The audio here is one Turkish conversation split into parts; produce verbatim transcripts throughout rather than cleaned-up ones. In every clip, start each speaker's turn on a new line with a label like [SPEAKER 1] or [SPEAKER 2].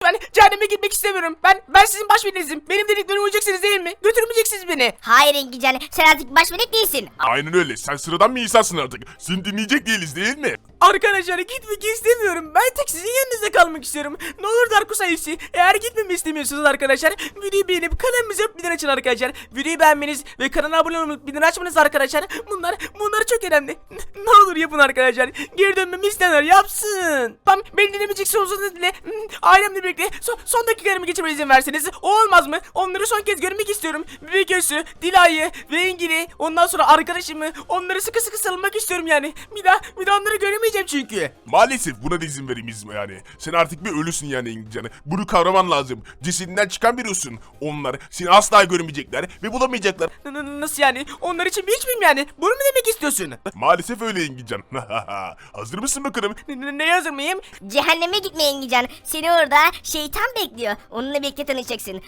[SPEAKER 1] Lütfen cehenneme gitmek istemiyorum. Ben ben sizin baş velinizim. Benim dediklerime uyacaksınız değil mi? Götürmeyeceksiniz beni.
[SPEAKER 2] Hayır Engincan, sen artık baş melek değilsin.
[SPEAKER 3] Aynen öyle. Sen sıradan bir insansın artık. Seni dinleyecek değiliz değil mi?
[SPEAKER 1] Arkadaşlar gitmek istemiyorum. Ben tek sizin yanınızda kalmak istiyorum. Ne olur Darkus ailesi. Eğer gitmemi istemiyorsanız arkadaşlar videoyu beğenip kanalımıza bildirim açın arkadaşlar. Videoyu beğenmeniz ve kanala abone olmayı bildirim açmanız arkadaşlar. Bunlar bunlar çok önemli. N- Ne olur yapın arkadaşlar. Geri dönmemi isteyenler yapsın. Tamam beni dinlemeyecekse uzun dile. Ailemle birlikte son, son dakikalarımı geçirmeye izin verseniz. O olmaz mı? Onları son kez görmek istiyorum. Bebek Özü, Dila'yı ve Engin'i. Ondan sonra arkadaşımı. Onları sıkı sıkı sarılmak istiyorum yani. Bir daha bir daha onları göremeyeceğim çünkü.
[SPEAKER 3] Maalesef buna da izin vereyim yani. Sen artık bir ölüsün yani İngilizcanı. Bunu kavraman lazım. Cesedinden çıkan bir ölüsün. Onlar seni asla görmeyecekler ve bulamayacaklar.
[SPEAKER 1] N- n- Nasıl yani? Onlar için bir hiç miyim yani? Bunu mu demek istiyorsun?
[SPEAKER 3] Maalesef öyle İngilizcan. Hazır mısın bakalım?
[SPEAKER 1] N- n- Neye hazır mıyım?
[SPEAKER 2] Cehenneme gitme Engincan. Seni orada şeytan bekliyor. Onunla birlikte tanışacaksın.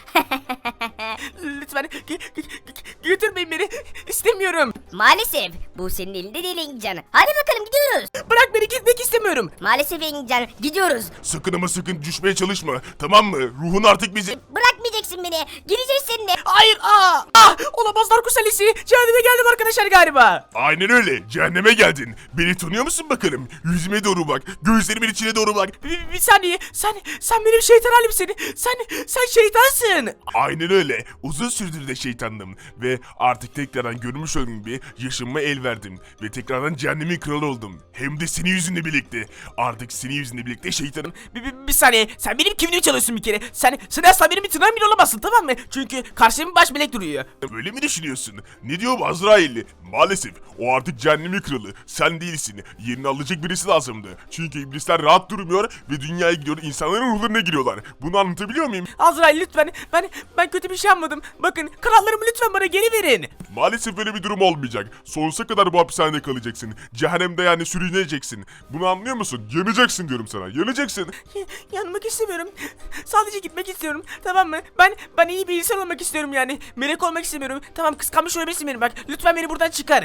[SPEAKER 1] Lütfen g- g- g- götürmeyin beni. İstemiyorum.
[SPEAKER 2] Maalesef bu senin elinde değil Engincan. Hadi bakalım gidiyoruz.
[SPEAKER 1] Bırak beni, gitmek istemiyorum.
[SPEAKER 2] Maalesef Engincan, gidiyoruz.
[SPEAKER 3] Sakın ama sakın düşmeye çalışma. Tamam mı? Ruhun artık bizi...
[SPEAKER 2] Bırakmayacaksın beni. Gideceğiz seninle.
[SPEAKER 1] Hayır. Aa, ah, olamaz Darkus ailesi. Cehenneme geldim arkadaşlar galiba.
[SPEAKER 3] Aynen öyle. Cehenneme geldin. Beni tanıyor musun bakalım? Yüzüme doğru bak. Gözlerimin içine doğru bak.
[SPEAKER 1] Bir, bir saniye. Sen sen benim şeytan halimsin. Sen sen şeytansın.
[SPEAKER 3] Aynen öyle. Uzun süredir de şeytandım. Ve artık tekrardan görmüş olduğum gibi yaşamıma el verdim. Ve tekrardan cehennemin kralı oldum. Hem de senin yüzünle birlikte. Artık senin yüzünle birlikte şeytanım.
[SPEAKER 1] Bir, bir, bir saniye. Sen benim kimliğimi çalıyorsun bir kere. Sen sen asla benim bir tırnağım bile olamazsın, tamam mı? Çünkü karşımda baş melek duruyor.
[SPEAKER 3] Öyle mi düşünüyorsun? Ne diyor bu Azrailli? Maalesef o artık cehennemin kralı. Sen değilsin. Yerini alacak birisi lazımdı. Çünkü iblisler rahat durmuyor ve dünyaya gidiyor, insanların ruhlarına giriyorlar. Bunu anlatabiliyor muyum?
[SPEAKER 1] Azrail lütfen. Ben ben kötü bir şey yapmadım. Bakın krallarımı lütfen bana geri verin.
[SPEAKER 3] Maalesef öyle bir durum olmayacak. Sonsuza kadar bu hapishanede kalacaksın. Cehennemde yani sürüneceksin. Bunu anlıyor musun? Yanacaksın diyorum sana. Yanacaksın.
[SPEAKER 1] Y- Yanmak istemiyorum. Sadece gitmek istiyorum. Tamam mı? Ben ben iyi bir insan olmak istiyorum yani. Melek olmak istemiyorum. Tamam, kıskanmış olabilirsin beni bak. Lütfen beni buradan çıkar.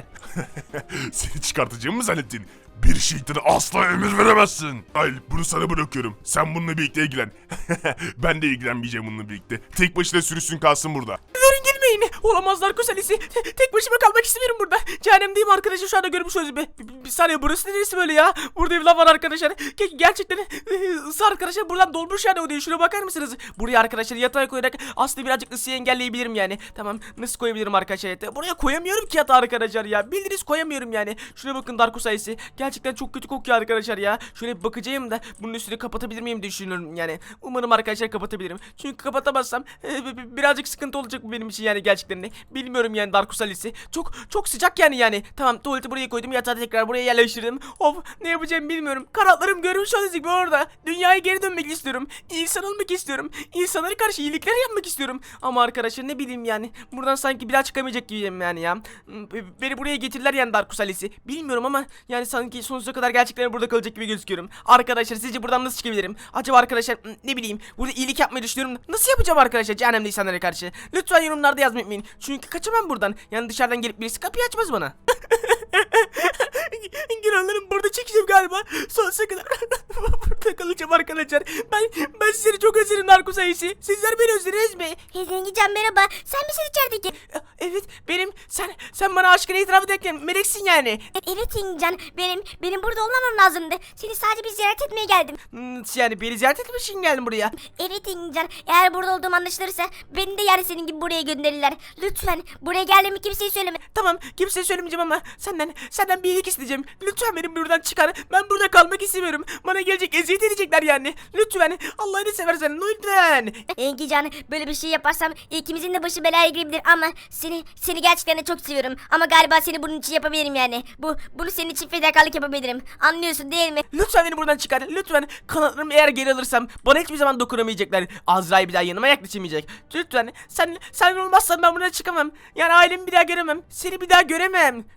[SPEAKER 3] Seni çıkartacağımı mı zannettin? Bir şeytana asla emir veremezsin. Hayır, bunu sana bırakıyorum. Sen bununla birlikte ilgilen. Ben de ilgilenmeyeceğim bununla birlikte. Tek başına sürüsün kalsın burada.
[SPEAKER 1] Durun, gitmeyin. Olamazlar kusalisi. Te- tek başıma kalmak istemiyorum burada. Cehennemdeyim arkadaşlar, şu anda görmüş oluyoruz. Bir, bir, bir saniye, burası neresi böyle ya? Burada evler var arkadaşlar. Ge- gerçekten e, ısı arkadaşlar buradan dolmuş yani o değil. Şuna bakar mısınız? Buraya arkadaşlar yatağı koyarak aslında birazcık ısıyı engelleyebilirim yani. Tamam, nasıl koyabilirim arkadaşlar yatağı? Buraya koyamıyorum ki yatağı arkadaşlar ya. Bildiniz, koyamıyorum yani. Şuna bakın Darko sayısı. Gerçekten çok kötü kokuyor arkadaşlar ya. Şöyle bir bakacağım da bunun üstünü kapatabilir miyim diye düşünüyorum yani. Umarım arkadaşlar kapatabilirim. Çünkü kapatamazsam e, bi- birazcık sıkıntı olacak bu benim için yani gerçekten de. Bilmiyorum yani Darkus Alice'i. Çok çok sıcak yani yani. Tamam, tuvaleti buraya koydum, yatağı tekrar buraya yerleştirdim. Of, ne yapacağımı bilmiyorum. Kanatlarım görmüş olduğunuz gibi orada. Dünyaya geri dönmek istiyorum. İnsan olmak istiyorum. İnsanlara karşı iyilikler yapmak istiyorum. Ama arkadaşlar ne bileyim yani. Buradan sanki bir daha çıkamayacak gibiyim yani ya. Beni buraya getirdiler yani Darkus Alice'i. Bilmiyorum ama yani sanki sonsuza kadar gerçekten burada kalacak gibi gözüküyorum. Arkadaşlar sizce buradan nasıl çıkabilirim? Acaba arkadaşlar ne bileyim burada iyilik yapmayı düşünüyorum. Nasıl yapacağım arkadaşlar cehennemde insanlara karşı? Lütfen yorumlarda yazmayı unutmayın. Çünkü kaçamam buradan. Yani dışarıdan gelip birisi kapıyı açmaz bana. Günahlarım burada çekeceğim galiba. Sonsuza kadar burada kalacağım arkadaşlar. Ben ben sizleri çok özledim Darko sayısı. Sizler beni özlediniz mi?
[SPEAKER 2] Engincan merhaba. Sen misin içerideki?
[SPEAKER 1] Evet benim. Sen sen bana aşkını itiraf ederken meleksin yani.
[SPEAKER 2] Evet Engincan, benim benim burada olmamam lazımdı. Seni sadece bir ziyaret etmeye geldim.
[SPEAKER 1] Hmm, yani beni ziyaret etmek için geldim buraya.
[SPEAKER 2] Evet Engincan, eğer burada olduğum anlaşılırsa beni de yani senin gibi buraya gönderirler. Lütfen buraya geldiğimi kimseye söyleme.
[SPEAKER 1] Tamam, kimseye söylemeyeceğim ama senden senden bir iyilik isteyeceğim. Lütfen beni buradan çıkar. Ben burada kalmak istemiyorum. Bana gelecek eziyet edecekler yani. Lütfen Allah'ını seversen lütfen.
[SPEAKER 2] Engincan, böyle bir şey yaparsam ikimizin de başı belaya girebilir ama seni seni gerçekten de çok seviyorum. Ama galiba seni bunun için yapabilirim yani. Bu bunu senin için fedakarlık yapabilirim. Anlıyorsun değil mi?
[SPEAKER 1] Lütfen beni buradan çıkar. Lütfen kanatlarımı eğer geri alırsam bana hiçbir zaman dokunamayacaklar. Azrail bir daha yanıma yaklaşamayacak. Lütfen sen sen olmazsan ben buradan çıkamam. Yani ailemi bir daha göremem. Seni bir daha göremem.
[SPEAKER 2] Doğru söylüyorsun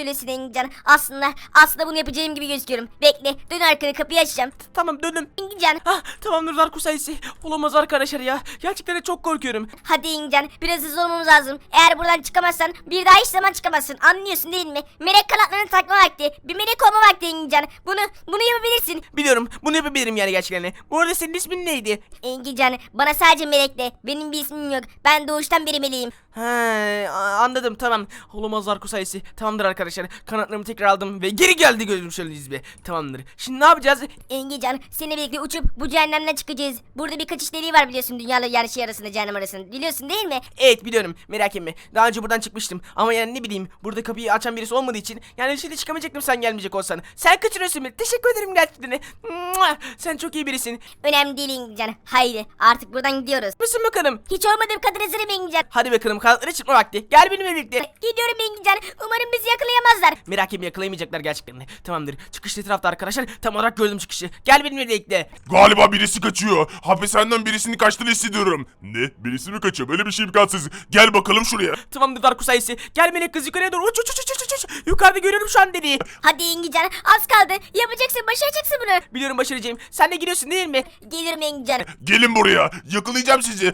[SPEAKER 2] söylüyorsun Engincan. Aslında aslında bunu yapacağım gibi gözüküyorum. Bekle, dön arkana, kapıyı açacağım.
[SPEAKER 1] Tamam dönüm.
[SPEAKER 2] Engincan,
[SPEAKER 1] Ah tamamdır Darko sayısı. Olamaz arkadaşlar ya. Gerçekten de çok korkuyorum.
[SPEAKER 2] hadi Engincan, biraz hızlı olmamız lazım. Eğer buradan çıkamazsan bir daha hiç zaman çıkamazsın. Anlıyorsun değil mi? Melek kanatlarını takma vakti. Bir melek olma vakti Engincan. Bunu bunu yapabilirsin.
[SPEAKER 1] Biliyorum bunu yapabilirim yani gerçekten de. Bu arada senin ismin neydi?
[SPEAKER 2] Engincan, bana sadece melek de. Benim bir ismim yok. Ben doğuştan beri meleğim.
[SPEAKER 1] He anladım tamam. Olamaz Darko sayısı. Tamamdır arkadaşlar. Kanatlarımı tekrar aldım ve geri geldi gözüm şöyle izbe. Tamamdır. Şimdi ne yapacağız?
[SPEAKER 2] Engincan, seninle birlikte uçup bu cehennemden çıkacağız. Burada bir kaçış deliği var biliyorsun, dünyayla yani şey arasında, cehennem arasında. Biliyorsun değil mi?
[SPEAKER 1] Evet biliyorum merak etme. Daha önce buradan çıkmıştım. Ama yani ne bileyim burada kapıyı açan birisi olmadığı için yani şimdi çıkamayacaktım sen gelmeyecek olsan. Sen kaçırıyorsun beni. Teşekkür ederim gerçekten. Mua! Sen çok iyi birisin.
[SPEAKER 2] Önemli değil Engincan. Haydi artık buradan gidiyoruz.
[SPEAKER 1] Mısın bakalım?
[SPEAKER 2] Hiç olmadığım kadar hazırım Engincan.
[SPEAKER 1] Hadi bakalım kanatlara çıkma vakti. Gel benimle birlikte.
[SPEAKER 2] Gidiyorum Engincan. Umarım bizi yakalayamazlar.
[SPEAKER 1] Merak etme yakalayamayacaklar gerçekten de. Tamamdır. Çıkış etrafta arkadaşlar. Tam olarak gördüm çıkışı. Gel benimle birlikte.
[SPEAKER 3] Galiba birisi kaçıyor. Hapishaneden birisinin kaçtığını hissediyorum. Ne? Birisi mi kaçıyor? Böyle bir şey imkansız. Gel bakalım şuraya.
[SPEAKER 1] Tamamdır Darko sayısı. Gel melek kız yukarıya doğru. Uç uç uç uç uç uç. Yukarıda görüyorum şu an deliği.
[SPEAKER 2] Hadi Engincan, az kaldı. Yapacaksın, başaracaksın bunu.
[SPEAKER 1] Biliyorum başaracağım. Sen de gidiyorsun değil mi?
[SPEAKER 2] Geliyorum Engincan.
[SPEAKER 3] Gelin buraya. Yakalayacağım sizi.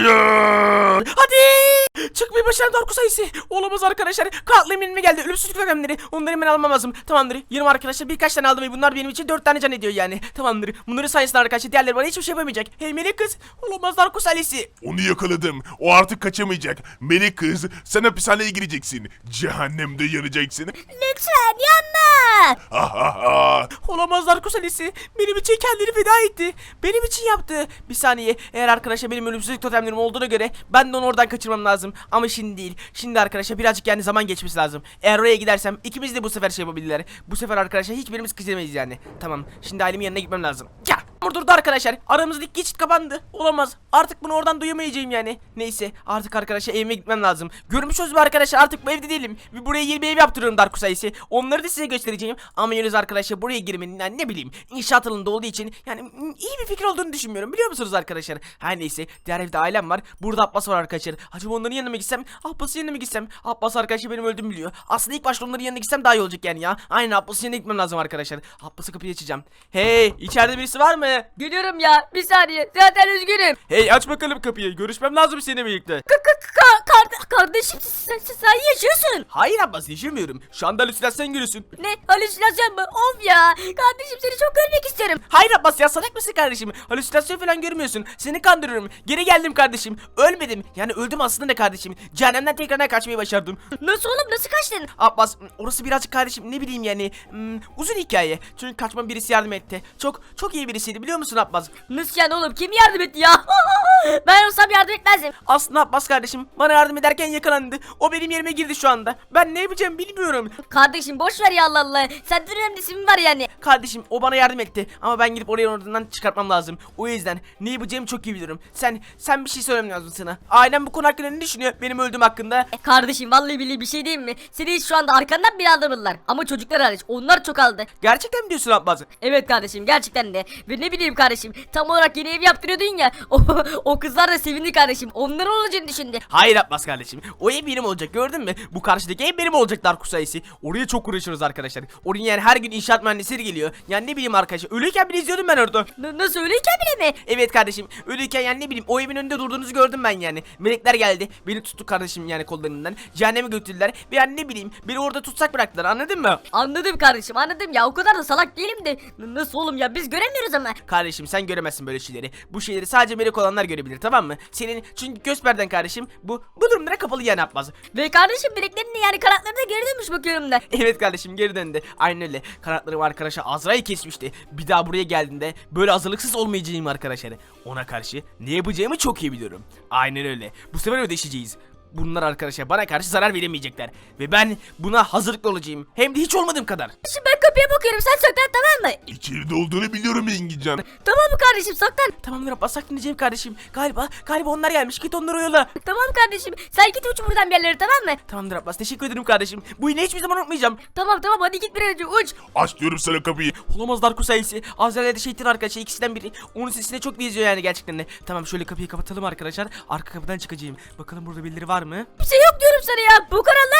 [SPEAKER 3] Hayır.
[SPEAKER 1] Hadi! Çıkmayı başaran Darko sayısı. Olamaz arkadaşlar. Kanatlarım elime geldi. Ölümsüzlük önemleri. Onları hemen almam lazım. Tamamdır. Yirmi arkadaşlar birkaç tane aldım ve bunlar benim için dört tane can ediyor yani. Tamamdır. Bunları sayesinde arkadaşlar diğerleri bana hiçbir şey yapamayacak. Hey melek kız. Olamaz Darko sayısı.
[SPEAKER 3] Onu yakaladım. O artık kaçamayacak. Melek kız, sen hapishaneye gireceksin. Cehennemde yanacaksın.
[SPEAKER 2] Lütfen yanma.
[SPEAKER 3] Ha ha ha.
[SPEAKER 1] Olamaz Darko sayısı. Benim için kendini feda etti. Benim için yaptı. Bir saniye. Eğer arkadaşlar benim ölümsüzlük totemlerim olduğuna göre ben de onu oradan kaçırmam lazım. Ama şimdi değil. Şimdi arkadaşlar birazcık yani zaman geçmesi lazım. Eğer oraya gidersem ikimiz de bu sefer şey yapabilirler. Bu sefer arkadaşlar hiçbirimiz kızamayız yani. Tamam. Şimdi ailemin yanına gitmem lazım. Ya. Durdu arkadaşlar. Aramızdaki geçit kapandı. Olamaz. Artık bunu oradan duyamayacağım yani. Neyse. Artık arkadaşlar evime gitmem lazım. Görmüşsünüz mü arkadaşlar? Artık bu evde değilim. Ve buraya yeni bir ev yaptırıyorum Darko sayısı. Onları da size göstereceğim. Ama yalnız arkadaşlar buraya girmenin yani ne bileyim inşaat alanında olduğu için yani mm, iyi bir fikir olduğunu düşünmüyorum. Biliyor musunuz arkadaşlar? Her neyse. Diğer evde ailem var. Burada Abbas var arkadaşlar. Acaba onların yanına mı gitsem? Abbas'ın yanına mı gitsem? Abbas arkadaşlar benim öldüğümü biliyor. Aslında ilk başta onların yanına gitsem daha iyi olacak yani ya. Aynen Abbas'ın yanına gitmem lazım arkadaşlar. Abbas'a kapıyı açacağım. Hey, içeride birisi var mı?
[SPEAKER 4] Geliyorum ya, bir saniye, zaten üzgünüm.
[SPEAKER 1] Hey aç bakalım kapıyı. Görüşmem lazım seninle birlikte.
[SPEAKER 4] K -k -k kar kardeşim sen, sen, sen yaşıyorsun.
[SPEAKER 1] Hayır Abbas yaşamıyorum. Şu anda halüsinasyon görüyorsun.
[SPEAKER 4] Ne, halüsinasyon mu? Of ya, kardeşim seni çok görmek istiyorum.
[SPEAKER 1] Hayır Abbas ya salak mısın kardeşim? Halüsinasyon falan görmüyorsun. Seni kandırıyorum. Geri geldim kardeşim. Ölmedim. Yani öldüm aslında kardeşim. Cehennemden tekrardan kaçmayı başardım.
[SPEAKER 4] Nasıl oğlum, nasıl kaçtın?
[SPEAKER 1] Abbas orası birazcık kardeşim ne bileyim yani hmm, uzun hikaye. Çünkü kaçmam birisi yardım etti. Çok çok iyi birisiydi biliyor musun Abbas?
[SPEAKER 4] Nasıl yani oğlum, kim yardım etti ya? Ben olsam yardım etmezdim.
[SPEAKER 1] Aslında Abbas kardeşim bana yardım ederken yakalandı. O benim yerime girdi şu anda. Ben ne yapacağım bilmiyorum.
[SPEAKER 4] Kardeşim boş ver ya, Allah Allah. Senden önemlisi mi var yani?
[SPEAKER 1] Kardeşim o bana yardım etti ama ben gidip oraya oradan çıkartmam lazım. O yüzden ne yapacağımı çok iyi biliyorum. Sen sen bir şey söylemem lazım sana. Ailem bu konu hakkında ne düşünüyor benim öldüğüm hakkında?
[SPEAKER 4] E, Kardeşim vallahi billahi bir şey diyeyim mi? Seni hiç şu anda arkandan bile aldırmadılar. Ama çocuklar hariç, onlar çok aldı.
[SPEAKER 1] Gerçekten mi diyorsun Abbas?
[SPEAKER 4] Evet kardeşim, gerçekten de. Ve ne bileyim kardeşim, tam olarak yeni ev yaptırıyordun ya. O, o kızlar da sevindi kardeşim. Onların olacağını düşündü.
[SPEAKER 1] Hayır Abbas kardeşim. O ev benim olacak gördün mü? Bu karşıdaki ev benim olacak Darko sayısı. Oraya çok uğraşıyoruz arkadaşlar. Oraya yani her gün inşaat mühendisleri geliyor. Yani ne bileyim arkadaşlar. Ölüyken bile izliyordum ben orada.
[SPEAKER 4] N nasıl, öyleyken bile mi?
[SPEAKER 1] Evet kardeşim. Ölüyken yani ne bileyim o evin önünde durduğunuzu gördüm ben yani. Melekler geldi. Beni tuttu kardeşim yani kollarından. Cehenneme götürdüler. Ve yani ne bileyim beni orada tutsak bıraktılar anladın mı?
[SPEAKER 4] Anladım kardeşim, anladım ya, o kadar da salak değilim de. N nasıl oğlum ya, biz göremiyoruz ama.
[SPEAKER 1] Kardeşim sen göremezsin böyle şeyleri. Bu şeyleri sadece melek olanlar görebilir tamam mı? Senin çünkü göz perden kardeşim bu bu durumlara kapalı yani Abbas.
[SPEAKER 4] Ve kardeşim bileklerini yani kanatlarını da geri dönmüş bakıyorum da.
[SPEAKER 1] Evet kardeşim geri döndü. Aynen öyle. Kanatlarım arkadaşa Azra'yı kesmişti. Bir daha buraya geldiğinde böyle hazırlıksız olmayacağım arkadaşlar. Ona karşı ne yapacağımı çok iyi biliyorum. Aynen öyle. Bu sefer ödeşeceğiz. Bunlar arkadaşlar bana karşı zarar veremeyecekler. Ve ben buna hazırlıklı olacağım. Hem de hiç olmadığım kadar.
[SPEAKER 4] Şimdi ben kapıya bakıyorum, sen saklan, tamam mı?
[SPEAKER 3] İçeride olduğunu biliyorum Engincan.
[SPEAKER 4] Tamam mı kardeşim, saklan.
[SPEAKER 1] Tamamdır Abbas saklanacağım kardeşim. Galiba galiba onlar gelmiş. Git onları oyala.
[SPEAKER 4] Tamam kardeşim, sen git uç buradan bir yerlere, tamam mı?
[SPEAKER 1] Tamamdır Abbas teşekkür ederim kardeşim. Bu yine hiçbir zaman unutmayacağım.
[SPEAKER 4] Tamam tamam, hadi git bir an önce uç.
[SPEAKER 3] Aç diyorum sana kapıyı.
[SPEAKER 1] Olamaz Darko sayısı. Azrail'e de şeytan arkadaşlar ikisinden biri. Onun sesine çok benziyor yani gerçekten de. Tamam şöyle kapıyı kapatalım arkadaşlar. Arka kapıdan çıkacağım. Bakalım burada birileri var mı?
[SPEAKER 4] Bir şey yok diyorum sana ya, bu kanallar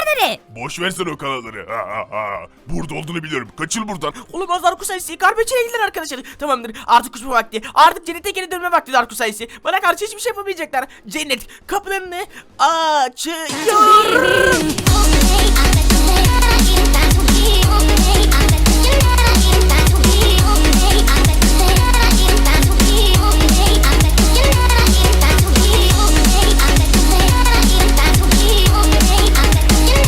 [SPEAKER 2] kanalları?
[SPEAKER 3] Boş versene o kanalları. Ha, ha, ha. Burada olduğunu biliyorum. Kaçıl buradan.
[SPEAKER 1] Olamaz Darkus ailesi. Karpeçine gidiler arkadaşlar. Tamamdır. Artık uçma vakti. Artık cennete geri dönme vakti Darkus ailesi. Bana karşı hiçbir şey yapamayacaklar. Cennet kapılarını açıyor.